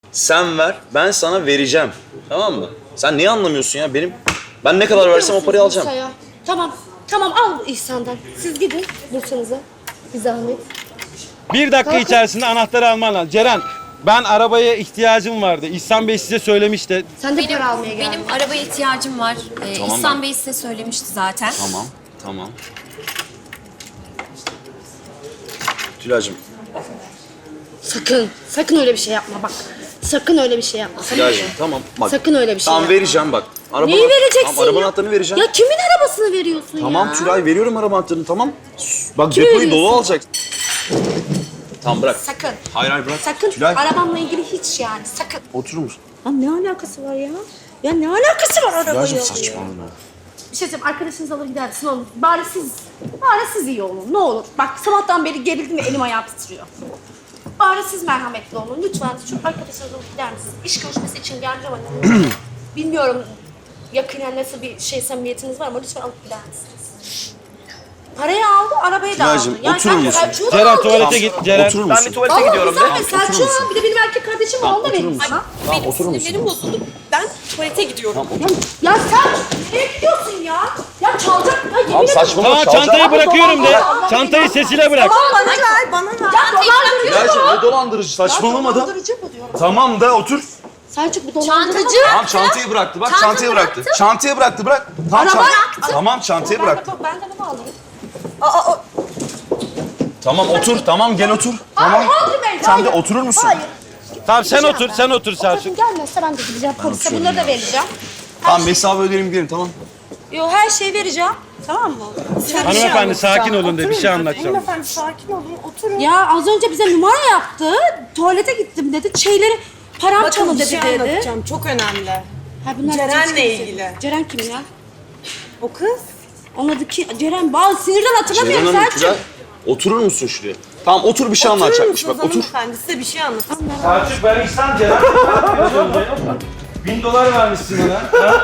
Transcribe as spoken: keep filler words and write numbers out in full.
Sen ver, ben sana vereceğim. Tamam mı? Sen niye anlamıyorsun ya? Benim ben ne kadar versem o parayı alacağım. Bursa'ya. Tamam, tamam al İhsan'dan. Siz gidin Bursa'nıza. Bir zahmet. Bir dakika Kalkın. içerisinde anahtarı alman lazım. Ceren, ben arabaya ihtiyacım vardı. İhsan Bey size söylemişti. Sen de Benim, para almaya geldin. benim arabaya ihtiyacım var. Ee, Tamam İhsan ben- Bey size söylemişti zaten. Tamam, tamam. Tülay'cığım, Sakın, sakın öyle bir şey yapma bak. Sakın öyle bir şey yapma. Sakın, Tülay'cığım tamam. Bak, sakın öyle bir şey tamam yapma. vereceğim bak. Araba, Neyi vereceksin Tamam, araba ya? anahtarını vereceğim. Ya kimin arabasını veriyorsun Tamam ya? Tülay veriyorum araba anahtarını tamam. Sus, bak Kime depoyu dolu veriyorsun? alacak. Tamam bırak. Sakın. Hayır hayır bırak. Sakın Tülay arabamla ilgili hiç yani sakın. oturur musun? Ya ne alakası var ya? Ya ne alakası var arabayla? Tülay'cığım saçmalama. Bir şey söyleyeyim, arkadaşınız alır gidersin olur. Bari siz, bari siz iyi olun. Ne olur. Bak sabahtan beri gerildim ve elim ayağım titriyor. Bari siz merhametli olun. Lütfen şu arkadaşınız alıp gider misiniz? İş görüşmesi için geleceğim hani. Bilmiyorum yakinen nasıl bir şey samimiyetiniz var ama lütfen alıp gider misiniz? Parayı aldı, arabayı da aldı. Tülay'cığım, oturur musun? Selçuk'u da Ceren aldı. tuvalete git. Ceren. Oturur Ben musun? bir tuvalete Allah gidiyorum güzel de. be Selçuk. Bir de benim erkek kardeşim var, onu da oturur vereyim musun? sana. Tamam Benim oturur musun? sinirlerim bozuldu. Ben tuvalete gidiyorum. Ya, ya Selçuk nereye gidiyorsun ya? Ya çalacak. Ya yemin Tamam ederim. saçmalama Tamam çalacağım. çantayı bırakıyorum de. Çantayı sesine bırak. Bana ver, bana ver. Ya dolandırıcı Tülay'cığım bu. ne dolandırıcı saçmalama da. Dolandırıcı bu diyorum. Tamam da otur. Selçuk bu dolandırıcı. Çantamı Tamam çantayı bıraktı bak Çantamı çantayı bıraktı. bıraktım. Çantayı bıraktı bırak. Tamam, Araba çant- bıraktı. Tamam çantayı bıraktı. Ben de bunu alayım. Aa, aa, Tamam otur tamam gel otur. Tamam. Hayır, Hodri Bey, Sen de hayır. oturur musun? Hayır. Tamam sen otur, sen otur O kadın Selçuk. gelmezse ben de gideceğim polise. Bunları da vereceğim. Tamam hesabı ödeyelim gidelim tamam. Yo her şeyi vereceğim. Tamam mı? Hanımefendi sakin olun de bir şey anlatacağım. hanımefendi sakin olun, oturun. Ya az önce bize numara yaptı. Tuvalete gittim dedi. Şeyleri param Bakın çalındı bir şey dedi. anlatacağım, çok önemli. Ha, bunlar Ceren'le Ceren kimse. ilgili. Ceren kim ya? O kız. Onun adı ki Ceren. Bazı sinirden hatırlamıyorum Ceylan Hanım Selçuk. Tülay, oturur musun şuraya? Tamam otur bir şey anlatacakmış bak otur. Hanımefendi size bir şey anlatacağım. Selçuk ben İhsan Ceren. Bin dolar vermişsin ona. Ha?